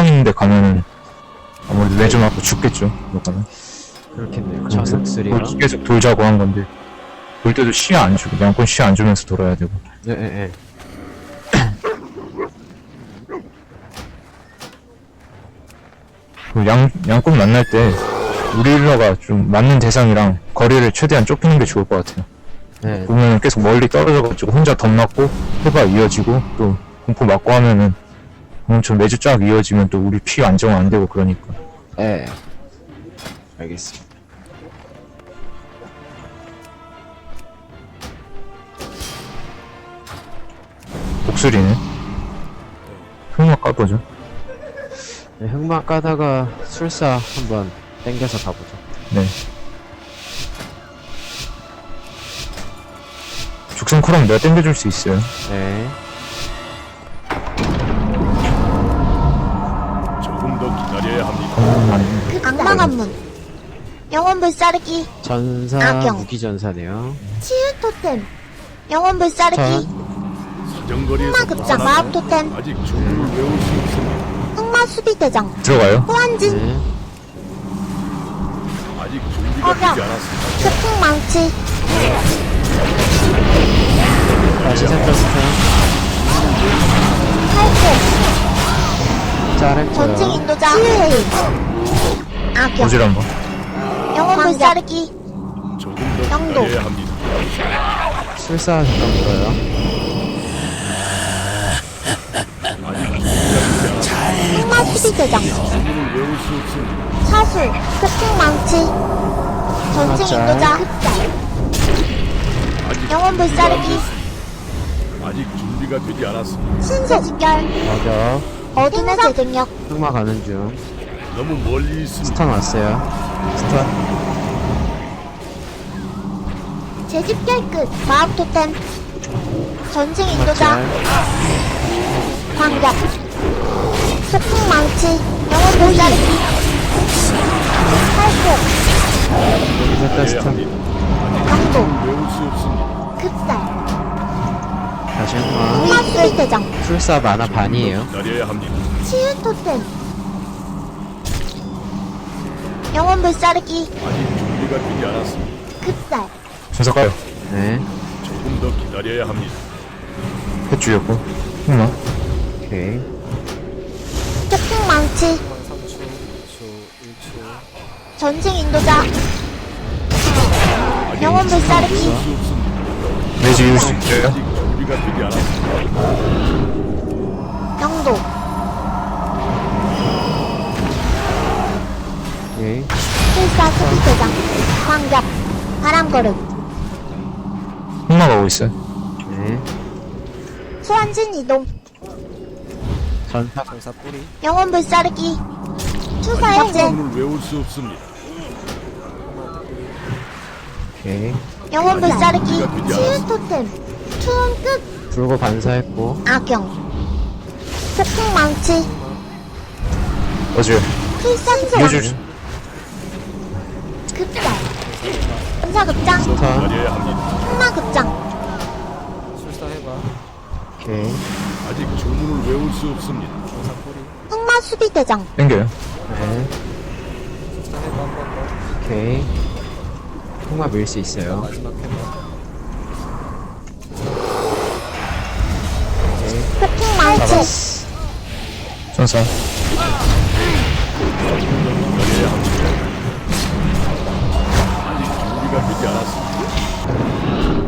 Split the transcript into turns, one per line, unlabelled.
수정 있는데 가면은 아무래도 매주 맞고 죽겠죠. 그러면
그렇겠네요. 자석술이랑.
계속 돌자고 한 건데 돌 때도 시야 안 주고 양권 시야 안 주면서 돌아야 되고.
예.
그 양권 만날 때 우리 힐러가 좀 맞는 대상이랑 거리를 최대한 좁히는 게 좋을 것 같아요.
네.
보면은 계속 멀리 떨어져가지고 혼자 덤 맞고 해봐 이어지고 또 공포 맞고 하면은 엄청 매주 쫙 이어지면 또 우리 피 안정 안 되고 그러니까.
예. 알겠습니다.
목소리는 흑막 까보죠.
네, 흑막 까다가 술사 한번 땡겨서 가보죠.
네. 죽선 코랑 내가 땡겨줄 수 있어요.
네.
조금 더 기다려야 합니다.
악마관 문. 영혼 불사르기.
전사,
악영.
무기전사네요.
치유 토템. 영혼 불사르기.
사정거리에서
흑마 급장 마법 토템.
아직 주문을 외울 수 없습니다.
흑마 수비 대장.
들어가요.
호환진.
네.
아직 준비가 되지 않았습니다.
태풍 망치.
다시 센터스턴.
탈퇴.
잘했죠.
전쟁 인도자. 치유의 악영.
보질 한번.
영혼 불사르기.
조금 더
영도.
기다려야 합니다.
술사 잠깐 물어요.
흑마 수비 대장.
주문을 외울 수 없습니다.
사술. 태풍 망치. 전쟁
맞자.
인도자. 흡살.
아직
영혼 불사르기.
아직 준비가 되지 않았습니다.
신세 직결.
맞아.
어둠의 재생력.
흑마 가는 중.
너무 멀리 있습니다.
스턴 왔어요. 스턴.
재집결 끝. 마법 토템. 전쟁 인도자.
맞잘.
광격. 태풍 망치. 영혼 불사르기. 탈퇴.
여기
기다려야
센터스턴.
합니다.
영도.
외울 수 없습니다.
급살.
다시 흑마.
흑마 수비 대장.
술사 만화 반이에요.
기다려야 합니다.
치유 토템. 영혼 불사르기.
아직 준비가 되지 않았습니다.
급살.
순서 가요.
네.
조금 더 기다려야 합니다.
해주였고 흑막.
오케이.
태풍 망치. 전쟁 인도자. 영혼 불사르기.
수 없습니다.
매주 이을 수 있어요.
아직 준비가 되지 않았습니다.
영도.
오케이.
필사 수비 대장. 광격. 바람걸음.
흑막 오고 있어요.
네.
소환진 이동.
전사.
영혼 불사르기. 투사의 진.
주문을 외울 수 없습니다.
오케이.
영혼 불사르기. 치유 토템. 투혼 끝.
불고 반사했고.
악영. 태풍 망치.
어제
필사
이어줄
소환.
수.
급살. 분사급장.
스턴.
기다려야 합니다.
흑마 급장.
오케이.
아직 주문을 외울 수 없습니다.
흑마 수비 대장.
땡겨요.
네. 오케이. 흑마 밀 수 있어요. 오케이.
태풍 망치.
전사.
기다려야 합니다. 아직 준비가 되지 않았습니다.